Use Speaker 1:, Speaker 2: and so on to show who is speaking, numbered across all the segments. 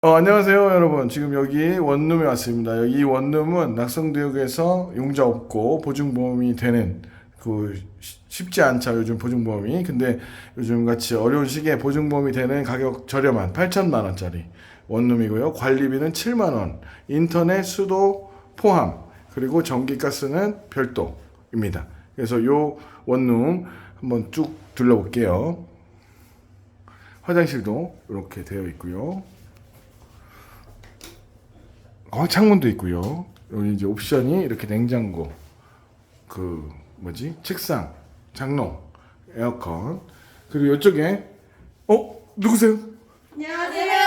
Speaker 1: 안녕하세요, 여러분. 지금 여기 원룸에 왔습니다. 이 원룸은 낙성대역에서 용자 없고 보증보험이 되는 쉽지 않죠, 요즘 보증보험이. 근데 요즘 같이 어려운 시기에 보증보험이 되는 가격 저렴한 8천만 원짜리 원룸이고요. 관리비는 7만 원, 인터넷, 수도 포함, 그리고 전기가스는 별도입니다. 그래서 요 원룸 한번 쭉 둘러볼게요. 화장실도 이렇게 되어 있고요. 창문도 있고요. 여기 이제 옵션이 이렇게 냉장고, 책상, 장롱, 에어컨. 그리고 이쪽에 누구세요?
Speaker 2: 안녕하세요.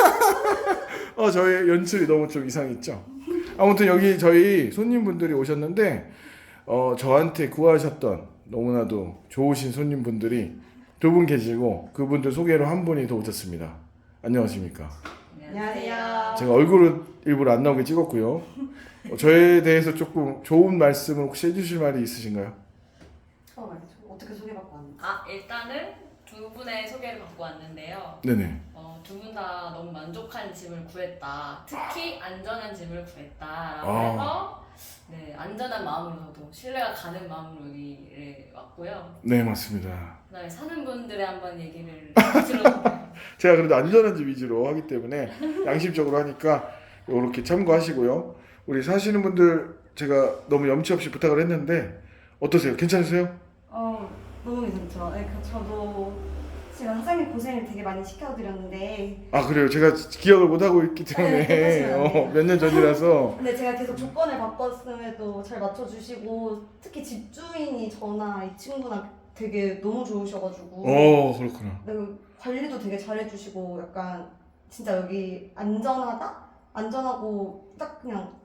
Speaker 1: 저의 연출이 너무 좀 이상했죠. 아무튼 여기 저희 손님분들이 오셨는데 저한테 구하셨던 너무나도 좋으신 손님분들이 두 분 계시고 그분들 소개로 한 분이 더 오셨습니다. 안녕하십니까?
Speaker 2: 안녕하세요.
Speaker 1: 제가 얼굴은 일부러 안 나오게 찍었고요. 저에 대해서 조금 좋은 말씀을 혹시 해주실 말이 있으신가요?
Speaker 2: 어떻게 소개받고 왔나요?
Speaker 3: 일단은 두 분의 소개를 받고 왔는데요.
Speaker 1: 네네.
Speaker 3: 두 분 다 너무 만족한 집을 구했다. 특히 안전한 집을 구했다라고
Speaker 1: 아.
Speaker 3: 해서 안전한 마음으로도 신뢰가 가는 마음으로 여기를 왔고요.
Speaker 1: 네, 맞습니다.
Speaker 3: 그다음에 사는 분들의 한번 얘기를 들어볼게요.
Speaker 1: 제가 그래도 안전한 집 위주로 하기 때문에 양심적으로 하니까 이렇게 참고하시고요. 우리 사시는 분들 제가 너무 염치 없이 부탁을 했는데 어떠세요? 괜찮으세요?
Speaker 2: 너무 괜찮죠. 네, 저도 지금 사장님 고생을 되게 많이 시켜드렸는데
Speaker 1: 아, 그래요. 제가 기억을 못 하고 있기 때문에
Speaker 2: 네,
Speaker 1: 몇 년 전이라서.
Speaker 2: 근데 제가 계속 조건을 바꿨음에도 잘 맞춰주시고 특히 집주인이 저나 이 친구나 되게 너무 좋으셔가지고
Speaker 1: 그렇구나.
Speaker 2: 네, 관리도 되게 잘해주시고 약간 진짜 여기 안전하다? 안전하고 딱 그냥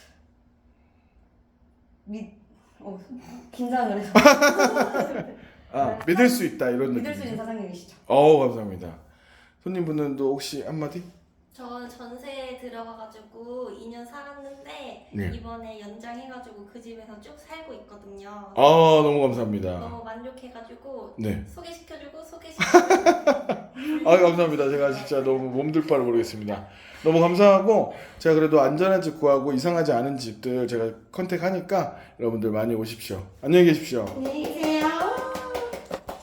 Speaker 2: 긴장을 해서
Speaker 1: 믿을 수 있다 이런
Speaker 2: 믿을 수
Speaker 1: 느낌이죠.
Speaker 2: 있는 사장님이시죠.
Speaker 1: 감사합니다. 손님분들도 혹시 한마디?
Speaker 4: 저 전세에 들어가가지고 2년 살았는데
Speaker 1: 네.
Speaker 4: 이번에 연장해가지고 그 집에서 쭉 살고 있거든요.
Speaker 1: 너무 감사합니다.
Speaker 4: 너무 만족해가지고
Speaker 1: 네.
Speaker 4: 소개시켜주고
Speaker 1: 감사합니다. 제가 진짜 너무 몸둘 바를 모르겠습니다. 너무 감사하고 제가 그래도 안전한 집 구하고 이상하지 않은 집들 제가 컨택하니까 여러분들 많이 오십시오. 안녕히 계십시오.
Speaker 2: 안녕히 계세요.